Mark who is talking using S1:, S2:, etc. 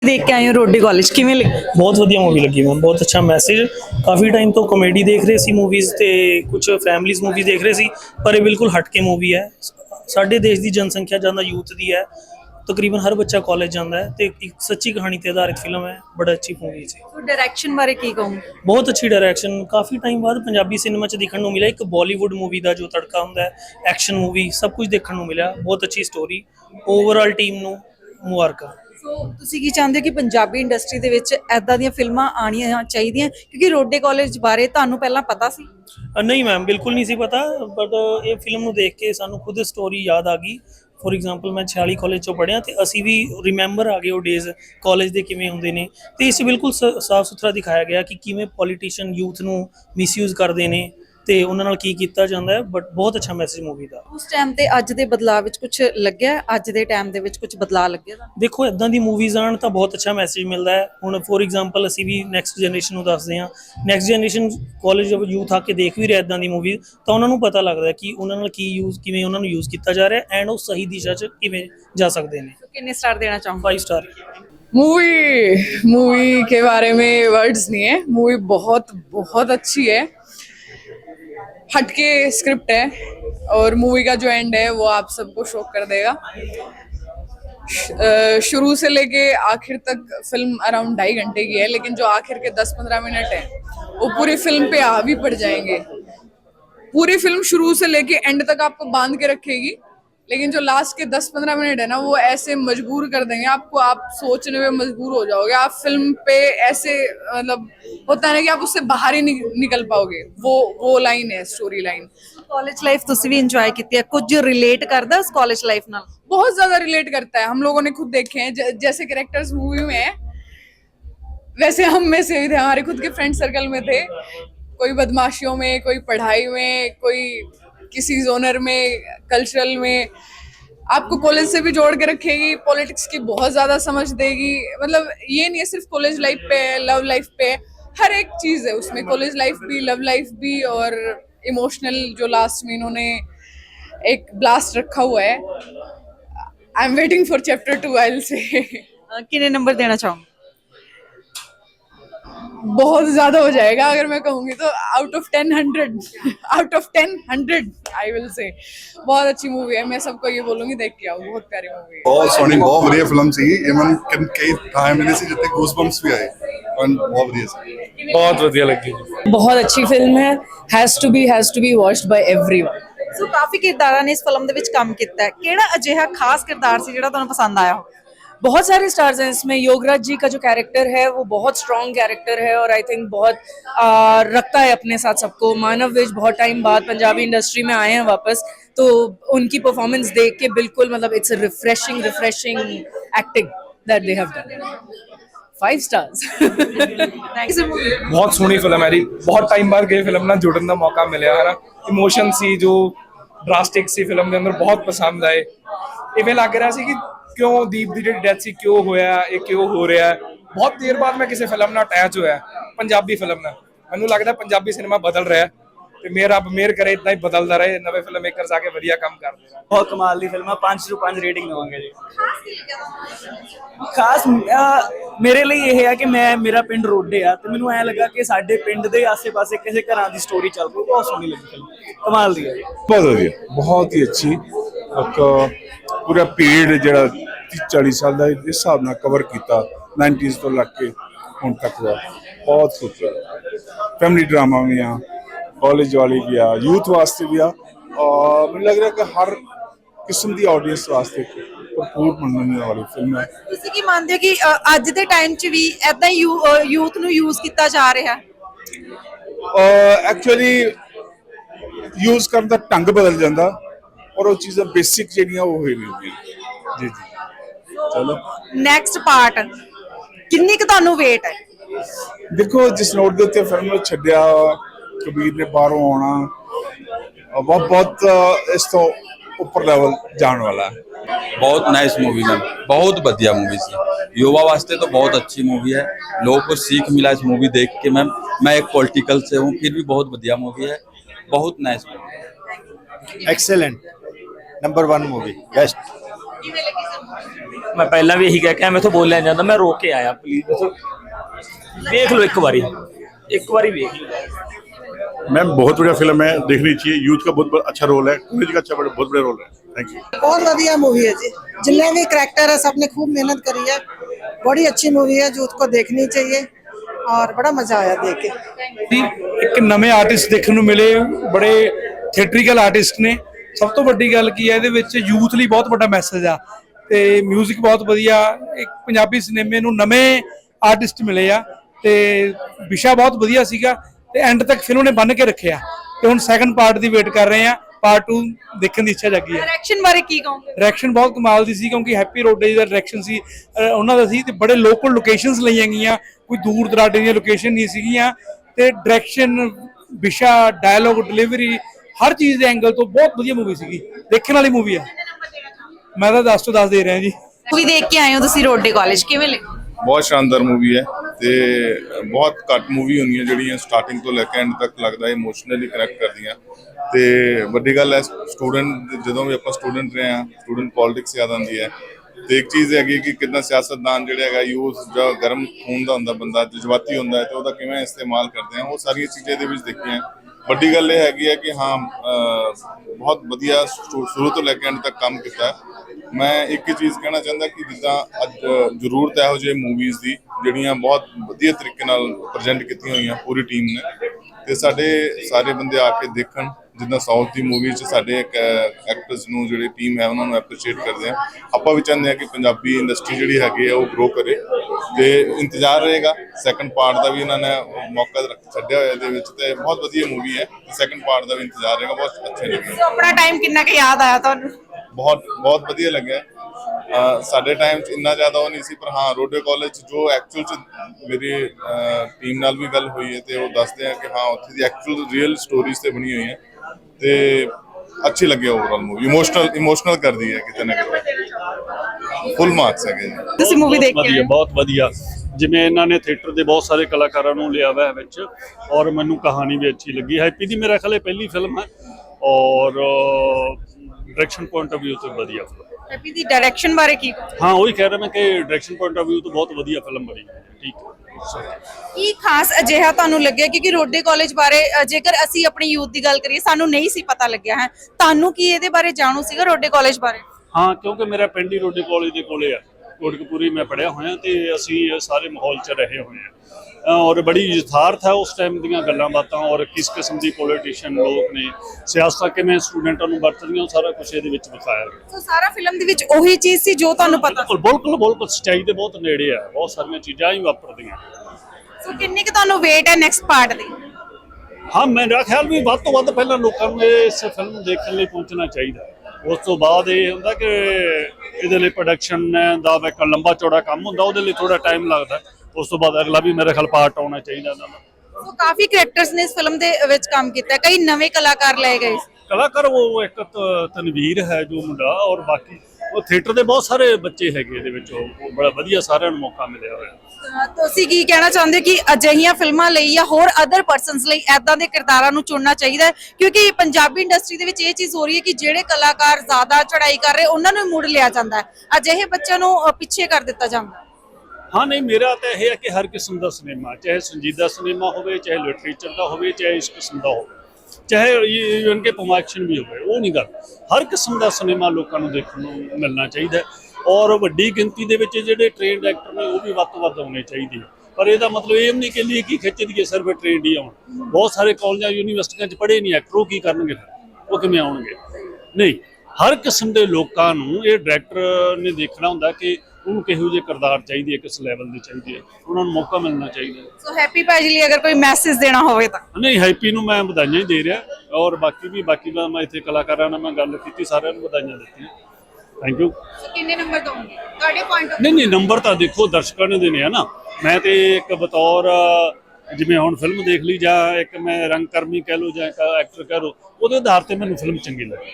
S1: देख के आई हूँ रोडी कॉलेज किवें लगी।
S2: बहुत वधिया मूवी लगी मैम, बहुत अच्छा मैसेज। काफ़ी टाइम तो कॉमेडी देख रहे सी मूवीज़ ते कुछ फैमिलीज़ मूवी देख रहे सी, पर ये बिल्कुल हट के मूवी है। साडे देश की जनसंख्या ज़्यादा यूथ दी है, तकरीबन हर बच्चा कॉलेज जाता है, तो एक सच्ची कहानी पर आधारित फिल्म है। बड़ा अच्छी मूवी सी।
S1: तो डायरेक्शन बारे की कहूँ।
S2: बहुत अच्छी डायरेक्शन, काफ़ी टाइम बाद पंजाबी सिनेमा च देखने को मिला। एक बॉलीवुड मूवी का जो तड़का होंदा है, एक्शन मूवी सब कुछ देखने को मिला। बहुत अच्छी स्टोरी, ओवरऑल टीम ਨੂੰ ਮੁਬਾਰਕਾਂ।
S1: ਸੋ ਤੁਸੀਂ ਕੀ ਚਾਹੁੰਦੇ ਹੋ ਕਿ ਪੰਜਾਬੀ ਇੰਡਸਟਰੀ ਦੇ ਵਿੱਚ ਐਦਾਂ ਦੀਆਂ ਫਿਲਮਾਂ ਆਉਣੀਆਂ ਚਾਹੀਦੀਆਂ, ਕਿਉਂਕਿ ਰੋਡੇ ਕਾਲਜ ਬਾਰੇ ਤੁਹਾਨੂੰ ਪਹਿਲਾਂ ਪਤਾ ਸੀ?
S2: नहीं मैम, बिल्कुल नहीं सी पता, बट ये फिल्म ਨੂੰ देख के सानू खुद स्टोरी याद आ गई। फॉर एग्जाम्पल मैं 46 कॉलेज चो पढ़िया, तो असी भी रिमैंबर आ गए वो डेज़ कॉलेज के किमें होंगे ने। तो इस बिल्कुल साफ सुथरा दिखाया गया कि किमें पॉलीटिशियन यूथ ਨੂੰ मिसयूज करते हैं ਤੇ ਉਹਨਾਂ ਨਾਲ ਕੀ ਕੀਤਾ ਜਾਂਦਾ ਹੈ। ਬਟ ਬਹੁਤ ਅੱਛਾ ਮੈਸੇਜ ਮੂਵੀ ਦਾ।
S1: ਉਸ ਟਾਈਮ ਤੇ ਅੱਜ ਦੇ ਬਦਲਾਅ ਵਿੱਚ ਕੁਝ ਲੱਗਿਆ? ਅੱਜ ਦੇ ਟਾਈਮ ਦੇ ਵਿੱਚ ਕੁਝ ਬਦਲਾਅ ਲੱਗਿਆ ਤਾਂ
S2: ਦੇਖੋ, ਇਦਾਂ ਦੀ ਮੂਵੀਜ਼ ਆਣ ਤਾਂ ਬਹੁਤ ਅੱਛਾ ਮੈਸੇਜ ਮਿਲਦਾ ਹੈ। ਹੁਣ ਫੋਰ ਐਗਜ਼ਾਮਪਲ ਅਸੀਂ ਵੀ ਨੈਕਸਟ ਜਨਰੇਸ਼ਨ ਨੂੰ ਦੱਸਦੇ ਹਾਂ, next generation college of youth ਆ ਕੇ ਦੇਖ ਵੀ ਰਿਹਾ ਇਦਾਂ ਦੀ ਮੂਵੀ, ਤਾਂ ਉਹਨਾਂ ਨੂੰ ਪਤਾ ਲੱਗਦਾ ਕਿ ਉਹਨਾਂ ਨਾਲ ਕੀ ਯੂਜ਼, ਕਿਵੇਂ ਉਹਨਾਂ ਨੂੰ ਯੂਜ਼ ਕੀਤਾ ਜਾ ਰਿਹਾ ਐਂਡ ਉਹ ਸਹੀ ਦਿਸ਼ਾ 'ਚ ਕਿਵੇਂ ਜਾ ਸਕਦੇ ਨੇ।
S1: ਕਿੰਨੇ ਸਟਾਰ ਦੇਣਾ ਚਾਹੂੰਗਾ?
S2: 5 स्टार।
S3: मूवी के बारे में वर्ड्स नहीं है। मूवी बहुत बहुत अच्छी है, हटके स्क्रिप्ट है और मूवी का जो एंड है वो आप सबको शॉक कर देगा। शुरू से लेके आखिर तक फिल्म अराउंड 2.5 घंटे की है, लेकिन जो आखिर के 10-15 मिनट है वो पूरी फिल्म पे हावी पड़ जाएंगे। पूरी फिल्म शुरू से लेके एंड तक आपको बांध के रखेगी, लेकिन जो लास्ट के 10-15 मिनट है ना, वो ऐसे मजबूर कर देंगे आपको, आप सोचने में मजबूर हो जाओगे। आप फिल्म पे ऐसे मतलब होता है ना कि आप उससे बाहर ही निकल पाओगे। वो लाइन है, स्टोरी लाइन।
S1: ਕਾਲਜ ਲਾਈਫ ਤੁਸੀਂ ਵੀ ਇੰਜੋਏ ਕੀਤੀ ਹੈ, ਕੁਝ ਰਿਲੇਟ ਕਰਦਾ ਉਸ ਕਾਲਜ ਲਾਈਫ ਨਾਲ?
S3: बहुत ज्यादा रिलेट करता है। हम लोगों ने खुद देखे हैं, जैसे कैरेक्टर्स मूवी में है वैसे हम में से भी थे, हमारे खुद के फ्रेंड सर्कल में थे। कोई बदमाशियों में, कोई पढ़ाई में, कोई किसी जोनर में, कल्चरल में। आपको कॉलेज से भी जोड़ के रखेगी, पॉलिटिक्स की बहुत ज़्यादा समझ देगी। मतलब ये नहीं है सिर्फ कॉलेज लाइफ पे है, लव लाइफ पे है, हर एक चीज़ है उसमें। कॉलेज लाइफ भी, लव लाइफ भी, और इमोशनल जो लास्ट में इन्होंने एक ब्लास्ट रखा हुआ है। I am waiting for chapter 2 I will say.
S1: कितने नंबर देना चाहूँगा?
S3: बहुत ज्यादा हो जाएगा अगर मैं कहूंगी तो। Out of 10 100 out of 10 100 I will say. बहुत अच्छी मूवी है, मैं सबको ये बोलूंगी देख के आओ, बहुत प्यारी मूवी है।
S4: बहुत सोनी, बहुत बढ़िया फिल्म सी। इवन कई टाइम मैंने से जितने गूज़बम्प्स भी आए और बहुत बढ़िया सी,
S2: बहुत वधिया लगी।
S5: बहुत अच्छी फिल्म है, has to be watched by everyone.
S1: ਸੋ ਕਾਫੀ ਕਿਰਦਾਰਾਂ ਨੇ ਇਸ ਫਿਲਮ ਦੇ ਵਿੱਚ ਕੰਮ ਕੀਤਾ ਹੈ, ਕਿਹੜਾ ਅਜਿਹਾ ਖਾਸ ਕਿਰਦਾਰ ਸੀ ਜਿਹੜਾ ਤੁਹਾਨੂੰ ਪਸੰਦ ਆਇਆ ਹੋ?
S5: बहुत सारे स्टार्स हैं इसमें। योगराज जी का जो कैरेक्टर है वो बहुत स्ट्रॉन्ग कैरेक्टर है और आई थिंक बहुत रखता है अपने साथ सबको। मानव विज बहुत टाइम बाद पंजाबी इंडस्ट्री में आए हैं वापस, तो उनकी परफॉर्मेंस देख के बिल्कुल मतलब it's a refreshing acting that they have done. 5 stars.
S6: बहुत सोहनी फिल्म है जी, बहुत टाइम बाद ये फिल्म ਨਾਲ ਜੁੜਨ ਦਾ ਮੌਕਾ ਮਿਲਿਆ ਹੈ ਨਾ। ਇਮੋਸ਼ਨ ਸੀ ਜੋ ਡਰਾਸਟਿਕ ਸੀ ਫਿਲਮ ਦੇ ਅੰਦਰ, ਬਹੁਤ ਪਸੰਦ ਆਏ। ਇਵੇਂ ਲੱਗ ਰਿਹਾ ਸੀ ਕਿ ਕਿਉਂ ਦੀਪ ਦੀ ਜਿਹੜੀ ਡੈਥ ਸੀ, ਕਿਉਂ ਹੋਇਆ ਇਹ, ਕਿਉਂ ਹੋ ਰਿਹਾ। ਬਹੁਤ ਦੇਰ ਬਾਅਦ ਮੈਂ ਕਿਸੇ ਫਿਲਮ ਨਾਲ ਅਟੈਚ ਹੋਇਆ, ਪੰਜਾਬੀ ਫਿਲਮ ਨਾਲ। ਮੈਨੂੰ ਲੱਗਦਾ ਪੰਜਾਬੀ ਸਿਨੇਮਾ ਬਦਲ ਰਿਹਾ ਤੇ ਮੇਰਾ ਰੱਬ ਮਿਹਰ ਕਰੇ ਇਦਾਂ ਹੀ ਬਦਲਦਾ ਰਹੇ, ਨਵੇਂ ਫਿਲਮ ਮੇਕਰਸ ਆ ਕੇ ਵਧੀਆ ਕੰਮ ਕਰਦੇ ਰਹਿਣ।
S7: बहुत कमाल दी फिल्म है, 5 ਤੋਂ 5 रेटिंग देवांगे जी। खास मेरे लिए ये है कि मैं मेरा पिंड रोडे आ, तो मैनू ऐ लगा कि साडे पिंड दे आसे पासे किसी घरां दी स्टोरी चल पई। बहुत सोहनी लगी फिल्म, कमाल दी है जी।
S8: बहुत वधिया, बहुत ही अच्छी। पूरा पीरियड ਜਿਹੜਾ 30-40 ਸਾਲ ਦਾ ਇਸ ਹਿਸਾਬ ਨਾਲ ਕਵਰ ਕੀਤਾ, 90s ਤੋਂ ਲੱਗ ਕੇ ਹੁਣ ਤੱਕ ਦਾ। ਬਹੁਤ ਖੂਬਸੂਰਤ फैमिली ड्रामा भी आ, कॉलेज वाले भी आ, यूथ वास्ते भी आ, और मुझे लग रहा है कि हर किस्म की ऑडियंस वास्ते भरपूर मनोरंजन वाली फिल्म है।
S1: ਤੁਸੀਂ ਕੀ ਮੰਨਦੇ ਹੋ ਕਿ ਅੱਜ ਦੇ ਟਾਈਮ 'ਚ ਵੀ ਐਦਾਂ ਹੀ ਯੂਥ ਨੂੰ ਯੂਜ਼ ਕੀਤਾ ਜਾ ਰਿਹਾ?
S8: एक्चुअली यूज करने का ढंग बदल जाता और वो चीज़ां बेसिक ਜਿਹੜੀਆਂ ਉਹ ਹੀ ਨਹੀਂ ਹੁੰਦੀਆਂ। जी जी, चलो
S1: ਨੈਕਸਟ ਪਾਰਟ ਕਿੰਨੀ ਕੁ ਤੁਹਾਨੂੰ ਵੇਟ ਹੈ?
S8: देखो, जिस नोट के उत्ते फिल्म ਨੂੰ ਛੱਡਿਆ, कबीर ने बाहरों आना, बहुत इस तो ऊपर लेवल जाने वाला है।
S9: बहुत नाइस मूवी है, बहुत बढ़िया मूवी सी। युवा वास्ते तो बहुत अच्छी मूवी है, लोगों को सीख मिला इस मूवी देख के। मैं एक पॉलिटिकल से हूँ, फिर भी बहुत बढ़िया मूवी है, बहुत नाइस मूवी है।
S10: Excellent, number 1 movie, best.
S7: ਮੈਂ ਪਹਿਲਾਂ ਵੀ ਇਹੀ ਕਹਿ ਕੇ ਮੈਥੋਂ ਬੋਲਿਆ ਨੀ ਜਾਂਦਾ, ਮੈਂ ਰੋ ਕੇ ਆਇਆ। ਪਲੀਜ਼ ਦੇਖ ਲਓ, ਇੱਕ ਵਾਰੀ ਵੇਖ ਲਓ।
S8: मैम बहुत बढ़िया फिल्म है, देखनी चाहिए। यूथ का बहुत अच्छा रोल है, कॉलेज का बहुत बड़ा रोल है। Thank you.
S10: बहुत बढ़िया मूवी है जी, जितने भी करैक्टर है सबने खूब मेहनत करी है, बड़ी अच्छी मूवी है, यूथ को देखनी चाहिए और बड़ा मजा आया देख के।
S6: ਇੱਕ ਨਵੇਂ ਆਰਟਿਸਟ ਦੇਖਣ ਨੂੰ ਮਿਲੇ, ਬੜੇ ਥੀਏਟਰੀਕਲ ਆਰਟਿਸਟ ਨੇ। ਸਭ ਤੋਂ ਵੱਡੀ ਗੱਲ ਕੀ ਹੈ, ਇਹਦੇ ਵਿੱਚ ਯੂਥ ਲਈ ਬਹੁਤ ਵੱਡਾ ਮੈਸੇਜ ਆ ਤੇ ਮਿਊਜ਼ਿਕ ਬਹੁਤ ਵਧੀਆ। ਇੱਕ ਪੰਜਾਬੀ ਸਿਨੇਮੇ ਨੂੰ ਨਵੇਂ ਆਰਟਿਸਟ ਮਿਲੇ ਆ ਤੇ ਵਿਸ਼ਾ ਬਹੁਤ ਵਧੀਆ ਸੀਗਾ ਤੇ ਐਂਡ ਤੱਕ ਫਿਲਮ ਨੇ ਬੰਨ ਕੇ ਰੱਖਿਆ ਤੇ ਹੁਣ ਸੈਕੰਡ ਪਾਰਟ ਦੀ ਵੇਟ ਕਰ ਰਹੇ ਆ। ਪਾਰਟ 2 ਦੇਖਣ ਦੀ ਇੱਛਾ ਜਾਗੀ ਹੈ।
S1: ਡਾਇਰੈਕਸ਼ਨ ਬਾਰੇ ਕੀ ਕਹੋਗੇ?
S6: ਡਾਇਰੈਕਸ਼ਨ ਬਹੁਤ ਕਮਾਲ ਦੀ ਸੀ, ਕਿਉਂਕਿ ਹੈਪੀ ਰੋਡੇ ਦਾ ਡਾਇਰੈਕਸ਼ਨ ਸੀ ਉਹਨਾਂ ਦਾ ਸੀ ਤੇ ਬੜੇ ਲੋਕਲ ਲੋਕੇਸ਼ਨਸ ਲਈਆਂ ਗਈਆਂ, ਕੋਈ ਦੂਰ ਦਰਾਡੇ ਦੀਆਂ ਲੋਕੇਸ਼ਨ ਨਹੀਂ ਸੀਗੀਆਂ ਤੇ ਡਾਇਰੈਕਸ਼ਨ, ਵਿਸ਼ਾ, ਡਾਇਲੋਗ, ਡਿਲੀਵਰੀ, ਹਰ ਚੀਜ਼ ਦੇ ਐਂਗਲ ਤੋਂ ਬਹੁਤ ਵਧੀਆ ਮੂਵੀ ਸੀਗੀ। ਦੇਖਣ ਵਾਲੀ ਮੂਵੀ ਆ। ਮੈਂ ਤਾਂ 10 ਤੋਂ 10 ਦੇ ਰਿਹਾ ਜੀ।
S1: ਮੂਵੀ ਦੇਖ ਕੇ ਆਏ ਹੋ ਤੁਸੀਂ ਰੋਡੇ ਕਾਲਜ, ਕਿਵੇਂ ਲੱਗੀ?
S4: ਬਹੁਤ ਸ਼ਾਨਦਾਰ ਮੂਵੀ ਹੈ ਤੇ ਬਹੁਤ ਘੱਟ ਮੂਵੀ ਹੁੰਦੀਆਂ ਜਿਹੜੀਆਂ ਸਟਾਰਟਿੰਗ ਤੋਂ ਲੈ ਕੇ ਐਂਡ ਤੱਕ ਲੱਗਦਾ ਇਮੋਸ਼ਨਲੀ ਕਨੈਕਟ ਕਰਦੀਆਂ ਤੇ ਵੱਡੀ ਗੱਲ ਹੈ ਸਟੂਡੈਂਟ, ਜਦੋਂ ਵੀ ਆਪਾਂ ਸਟੂਡੈਂਟ ਰਹੇ ਹਾਂ, ਸਟੂਡੈਂਟ ਪੋਲਿਟਿਕਸ ਯਾਦ ਆਉਂਦੀ ਹੈ ਤੇ ਇੱਕ ਚੀਜ਼ ਹੈਗੀ ਕਿ ਕਿੰਨਾ ਸਿਆਸਤਦਾਨ ਜਿਹੜਾ ਹੈਗਾ ਯੂਥ ਜਾਂ ਗਰਮ ਖੂਨ ਦਾ ਹੁੰਦਾ, ਬੰਦਾ ਜਜ਼ਬਾਤੀ ਹੁੰਦਾ ਹੈ ਤੇ ਉਹਦਾ ਕਿਵੇਂ ਇਸਤੇਮਾਲ ਕਰਦੇ ਆ, ਉਹ ਸਾਰੀਆਂ ਚੀਜ਼ਾਂ ਦੇ ਵਿੱਚ ਦੇਖੀਆਂ। ਵੱਡੀ ਗੱਲ ਇਹ ਹੈਗੀ ਹੈ ਕਿ ਹਾਂ ਬਹੁਤ ਵਧੀਆ ਸ਼ੁਰੂ ਤੋਂ ਲੈ ਕੇ ਐਂਡ ਤੱਕ ਕੰਮ ਕੀਤਾ। ਮੈਂ ਇੱਕ ਹੀ ਚੀਜ਼ ਕਹਿਣਾ ਚਾਹੁੰਦਾ ਕਿ ਜਿੱਦਾਂ ਅੱਜ ਜ਼ਰੂਰਤ ਹੈ ਇਹੋ ਜਿਹੇ ਮੂਵੀਜ਼ ਦੀ ਜਿਹੜੀਆਂ ਬਹੁਤ ਵਧੀਆ ਤਰੀਕੇ ਨਾਲ ਪ੍ਰੈਜ਼ੈਂਟ ਕੀਤੀਆਂ ਹੋਈਆਂ ਪੂਰੀ ਟੀਮ ਨੇ ਤੇ ਸਾਡੇ ਸਾਰੇ ਬੰਦੇ ਆ ਕੇ ਦੇਖਣ। ਜਿੱਦਾਂ ਸਾਊਥ ਦੀ ਮੂਵੀ 'ਚ ਸਾਡੇ ਐਕਟਰਸ ਨੂੰ ਜਿਹੜੀ ਟੀਮ ਹੈ ਉਹਨਾਂ ਨੂੰ ਐਪਰੀਸ਼ੀਏਟ ਕਰਦੇ ਆ। ਆਪਾਂ ਵੀ ਚਾਹੁੰਦੇ ਹਾਂ ਕਿ ਪੰਜਾਬੀ ਇੰਡਸਟਰੀ ਜਿਹੜੀ ਹੈਗੀ ਹੈ ਉਹ ਗਰੋ ਕਰੇ ਤੇ ਇੰਤਜ਼ਾਰ ਰਹੇਗਾ ਸੈਕੰਡ ਪਾਰਟ ਦਾ ਵੀ। ਇਹਨਾਂ ਨੇ ਮੌਕਾ ਛੱਡਿਆ ਹੋਇਆ ਇਹਦੇ ਵਿੱਚ ਤੇ ਬਹੁਤ ਵਧੀਆ ਮੂਵੀ ਹੈ। ਸੈਕੰਡ ਪਾਰਟ ਦਾ ਵੀ ਇੰਤਜ਼ਾਰ ਰਹੇਗਾ। ਬਹੁਤ ਅੱਛੇ ਲੱਗੇ।
S1: ਆਪਣਾ ਟਾਈਮ ਕਿੰਨਾ ਕੁ ਯਾਦ ਆਇਆ ਤੁਹਾਨੂੰ?
S4: ਬਹੁਤ ਵਧੀਆ ਲੱਗਿਆ। ਸਾਡੇ ਟਾਈਮ 'ਚ ਇੰਨਾ ਜ਼ਿਆਦਾ ਉਹ ਨਹੀਂ ਸੀ, ਪਰ ਹਾਂ ਰੋਡੇ ਕਾਲਜ ਜੋ ਐਕਚੁਅਲ 'ਚ ਮੇਰੀ ਟੀਮ ਨਾਲ ਵੀ ਗੱਲ ਹੋਈ ਹੈ ਤੇ ਉਹ ਦੱਸਦੇ ਆ ਕਿ ਹਾਂ ਉੱਥੇ ਦੀ ਐਕਚੁਅਲ ਰੀਅਲ ਸਟੋਰੀਜ਼ ਤੇ ਬਣੀ ਹੋਈ ਹੈ ਤੇ ਅੱਛੀ ਲੱਗੀ ਓਵਰਆਲ ਮੂਵੀ। ਇਮੋਸ਼ਨਲ ਕਰਦੀ ਹੈ ਕਿਤੇ ਨਾ ਕਿਤੇ। ਫੁੱਲ ਮਾਰਕਸ ਹੈਗੇ ਜੀ।
S1: ਤੁਸੀਂ ਮੂਵੀ ਦੇਖ ਕੇ ਆਏ ਹੋ?
S11: ਬਹੁਤ ਵਧੀਆ। ਜਿਵੇਂ ਇਹਨਾਂ ਨੇ ਥੀਏਟਰ ਦੇ ਬਹੁਤ ਸਾਰੇ ਕਲਾਕਾਰਾਂ ਨੂੰ ਲਿਆ ਹੋਇਆ ਵਿੱਚ ਔਰ ਮੈਨੂੰ ਕਹਾਣੀ ਵੀ ਅੱਛੀ ਲੱਗੀ। ਹੈਪੀ ਦੀ ਮੇਰਾ ਖਿਆਲ ਪਹਿਲੀ ਫਿਲਮ ਹੈ ਔਰ ਡਾਇਰੈਕਸ਼ਨ ਪੁਆਇੰਟ ਆਫ ਵਿਊ ਤੋਂ ਵਧੀਆ ਫਿਲਮ।
S1: ਹੈਪੀ ਦੀ ਡਾਇਰੈਕਸ਼ਨ ਬਾਰੇ ਕੀ ਕਹੋਗੇ?
S11: ਹਾਂ ਉਹੀ ਕਹਿ ਰਿਹਾ ਮੈਂ ਕਿ ਡਾਇਰੈਕਸ਼ਨ ਪੁਆਇੰਟ ਆਫ ਵਿਊ ਤੋਂ ਬਹੁਤ ਵਧੀਆ ਫਿਲਮ ਬਣੀ। ਠੀਕ ਹੈ।
S1: ਕੀ ਖਾਸ ਅਜਿਹਾ ਤੁਹਾਨੂੰ ਲੱਗਿਆ? ਕਿਉਂਕਿ ਰੋਡੇ ਕਾਲਜ ਬਾਰੇ ਜੇਕਰ ਅਸੀਂ ਆਪਣੀ ਯੂਥ ਦੀ ਗੱਲ ਕਰੀਏ, ਸਾਨੂੰ ਨਹੀਂ ਸੀ ਪਤਾ ਲੱਗਿਆ ਹੈ। ਤੁਹਾਨੂੰ ਕੀ ਇਹਦੇ ਬਾਰੇ ਜਾਣੂ ਸੀਗਾ ਰੋਡੇ ਕਾਲਜ ਬਾਰੇ?
S11: ਹਾਂ, ਕਿਉਂਕਿ ਮੇਰਾ ਪਿੰਡ ਹੀ ਰੋਡੇ ਕਾਲਜ ਦੇ ਕੋਲੇ ਆ। ਕੋਟਕਪੂਰੀ ਮੈਂ ਪੜ੍ਹਿਆ ਹੋਇਆ ਤੇ ਅਸੀਂ ਸਾਰੇ ਮਾਹੌਲ 'ਚ ਰਹੇ ਹੋਏ ਹਾਂ ਔਰ ਬੜੀ ਯਥਾਰਥ ਹੈ ਉਸ ਟਾਈਮ ਦੀਆਂ ਗੱਲਾਂ ਬਾਤਾਂ ਔਰ ਕਿਸ ਕਿਸਮ ਦੀ ਪੋਲੀਟੀਸ਼ੀਅਨ ਲੋਕ ਨੇ, ਸਿਆਸਤਾਂ ਕਿਵੇਂ ਸਟੂਡੈਂਟਾਂ ਨੂੰ ਵਰਤਦੀਆਂ, ਉਹ ਸਾਰਾ ਕੁਝ ਇਹਦੇ ਵਿੱਚ ਵਿਖਾਇਆ ਗਿਆ।
S1: ਸੋ ਸਾਰਾ ਫਿਲਮ ਦੇ ਵਿੱਚ ਉਹੀ ਚੀਜ਼ ਸੀ ਜੋ ਤੁਹਾਨੂੰ ਪਤਾ?
S11: ਬਿਲਕੁਲ ਸੱਚਾਈ ਦੇ ਬਹੁਤ ਨੇੜੇ ਆ। ਬਹੁਤ ਸਾਰੀਆਂ ਚੀਜ਼ਾਂ ਹੀ ਵਾਪਰਦੀਆਂ।
S1: ਸੋ ਕਿੰਨੀ ਕੁ ਤੁਹਾਨੂੰ ਵੇਟ ਹੈ ਨੈਕਸਟ ਪਾਰਟ ਦੀ?
S11: ਹਾਂ, ਮੇਰਾ ਖਿਆਲ ਵੀ ਵੱਧ ਤੋਂ ਵੱਧ ਪਹਿਲਾਂ ਲੋਕਾਂ ਨੂੰ ਇਸ ਫਿਲਮ ਨੂੰ ਦੇਖਣ ਲਈ ਪਹੁੰਚਣਾ ਚਾਹੀਦਾ। ਉਸ ਤੋਂ ਬਾਅਦ ਇਹ ਹੁੰਦਾ ਕਿ ਇਹਦੇ ਲਈ ਪ੍ਰੋਡਕਸ਼ਨ ਦਾ ਇੱਕ ਲੰਬਾ ਚੌੜਾ ਕੰਮ ਹੁੰਦਾ, ਉਹਦੇ ਲਈ ਥੋੜਾ ਟਾਈਮ ਲੱਗਦਾ। ਉਸ ਤੋਂ ਬਾਅਦ ਅਗਲਾ ਵੀ ਮੇਰੇ ਖਿਆਲ ਪਾਰਟ ਆਉਣਾ ਚਾਹੀਦਾ ਇਹਨਾਂ ਦਾ।
S1: ਸੋ ਕਾਫੀ ਕੈਰੈਕਟਰਸ ਨੇ ਇਸ ਫਿਲਮ ਦੇ ਵਿੱਚ ਕੰਮ ਕੀਤਾ, ਕਈ ਨਵੇਂ ਕਲਾਕਾਰ ਲਏ ਗਏ।
S11: ਕਲਾਕਾਰ ਉਹ ਇੱਕ ਤਨਵੀਰ ਹੈ ਜੋ ਮੁੰਡਾ ਔਰ ਬਾਕੀ ਉਹ ਥੀਏਟਰ ਦੇ ਬਹੁਤ ਸਾਰੇ ਬੱਚੇ ਹੈਗੇ ਇਹਦੇ ਵਿੱਚ। ਉਹ ਬੜਾ ਵਧੀਆ ਸਾਰਿਆਂ ਨੂੰ ਮੌਕਾ ਮਿਲਿਆ ਹੋਇਆ।
S1: ਤੁਸੀਂ ਕੀ ਕਹਿਣਾ ਚਾਹੁੰਦੇ ਹੋ ਕਿ ਅਜਿਹੀਆਂ ਫਿਲਮਾਂ ਲਈ ਜਾਂ ਹੋਰ ਅਦਰ ਪਰਸਨਸ ਲਈ ਐਦਾਂ ਦੇ ਕਿਰਦਾਰਾਂ ਨੂੰ ਚੁਣਨਾ ਚਾਹੀਦਾ ਹੈ? ਕਿਉਂਕਿ ਪੰਜਾਬੀ ਇੰਡਸਟਰੀ ਦੇ ਵਿੱਚ ਇਹ ਚੀਜ਼ ਹੋ ਰਹੀ ਹੈ ਕਿ ਜਿਹੜੇ ਕਲਾਕਾਰ ਜ਼ਿਆਦਾ ਚੜ੍ਹਾਈ ਕਰ ਰਹੇ ਉਹਨਾਂ ਨੂੰ ਮੁੜ ਲਿਆ ਜਾਂਦਾ ਹੈ, ਅਜਿਹੇ ਬੱਚਿਆਂ ਨੂੰ ਪਿੱਛੇ ਕਰ ਦਿੱਤਾ ਜਾਂਦਾ।
S11: ਹਾਂ ਨਹੀਂ, ਮੇਰਾ ਤਾਂ ਇਹ ਹੈ ਕਿ ਹਰ ਕਿਸਮ ਦਾ ਸਿਨੇਮਾ, ਚਾਹੇ ਸੰਜੀਦਾ ਸਿਨੇਮਾ ਹੋਵੇ, ਚਾਹੇ ਲਿਟਰੇਚਰ ਦਾ ਹੋਵੇ, ਚਾਹੇ ਇਸ ਕਿਸਮ ਦਾ ਹੋਵੇ, ਚਾਹੇ ਇਵਨ ਕਿ ਪਮ ਐਕਸ਼ਨ ਵੀ ਹੋਵੇ, ਉਹ ਨਹੀਂ ਗੱਲ। ਹਰ ਕਿਸਮ ਦਾ ਸਿਨੇਮਾ ਲੋਕਾਂ ਨੂੰ ਦੇਖਣ ਨੂੰ ਮਿਲਣਾ ਚਾਹੀਦਾ ਔਰ ਵੱਡੀ ਗਿਣਤੀ ਦੇ ਵਿੱਚ ਜਿਹੜੇ ਟ੍ਰੇਨਡ ਐਕਟਰ ਨੇ ਉਹ ਵੀ ਵੱਧ ਤੋਂ ਵੱਧ ਆਉਣੇ ਚਾਹੀਦੇ ਆ। ਪਰ ਇਹਦਾ ਮਤਲਬ ਇਹ ਨਹੀਂ ਕਿ ਲਈ ਕੀ ਖਿੱਚ ਦੀਏ ਸਿਰਫ ਟ੍ਰੇਨਡ ਹੀ ਆਉਣ। ਬਹੁਤ ਸਾਰੇ ਕਾਲਜਾਂ ਯੂਨੀਵਰਸਿਟੀਆਂ 'ਚ ਪੜ੍ਹੇ ਨਹੀਂ ਐਕਟਰ, ਉਹ ਕੀ ਕਰਨਗੇ? ਉਹ ਕਿਵੇਂ ਆਉਣਗੇ? ਨਹੀਂ, ਹਰ ਕਿਸਮ ਦੇ ਲੋਕਾਂ ਨੂੰ ਇਹ ਡਾਇਰੈਕਟਰ ਨੇ ਦੇਖਣਾ ਹੁੰਦਾ ਕਿ ਉਹਨੂੰ ਕਿਹੋ ਜਿਹੇ ਕਿਰਦਾਰ ਚਾਹੀਦੇ, ਕਿਸ ਲੈਵਲ ਦੇ ਚਾਹੀਦੇ, ਉਹਨਾਂ ਨੂੰ ਮੌਕਾ ਮਿਲਣਾ ਚਾਹੀਦਾ।
S1: ਸੋ ਹੈਪੀ ਭਾਜੀ ਲਈ ਅਗਰ ਕੋਈ ਮੈਸੇਜ ਦੇਣਾ ਹੋਵੇ ਤਾਂ?
S11: ਨਹੀਂ, ਹੈਪੀ ਨੂੰ ਮੈਂ ਵਧਾਈਆਂ ਹੀ ਦੇ ਰਿਹਾ ਔਰ ਬਾਕੀ ਦਾ ਮੈਂ ਇੱਥੇ ਕਲਾਕਾਰਾਂ ਨਾਲ ਮੈਂ ਗੱਲ ਕੀਤੀ, ਸਾਰਿਆਂ ਨੂੰ ਵਧਾਈਆਂ ਦਿੱਤੀਆਂ। Thank you.
S1: ਕਿੰਨੇ ਨੰਬਰ ਦੋਗੇ ਤੁਹਾਡੇ ਪੁਆਇੰਟ?
S11: ਨਹੀਂ, ਨੰਬਰ ਤਾਂ ਦੇਖੋ ਦਰਸ਼ਕਾਂ ਨੇ ਦੇਣੇ ਆ ਨਾ। ਮੈਂ ਤੇ ਇੱਕ ਬਤੌਰ ਜਿਵੇਂ ਹੁਣ ਫਿਲਮ ਦੇਖ ਲਈ ਜਾਂ ਇੱਕ ਮੈਂ ਰੰਗਕਰਮੀ ਕਹਿ ਲਓ ਜਾਂ ਇੱਕ ਐਕਟਰ ਕਹਿ ਲਓ, ਉਹਦੇ ਆਧਾਰ ਤੇ ਮੈਨੂੰ ਫਿਲਮ ਚੰਗੀ ਲੱਗੀ।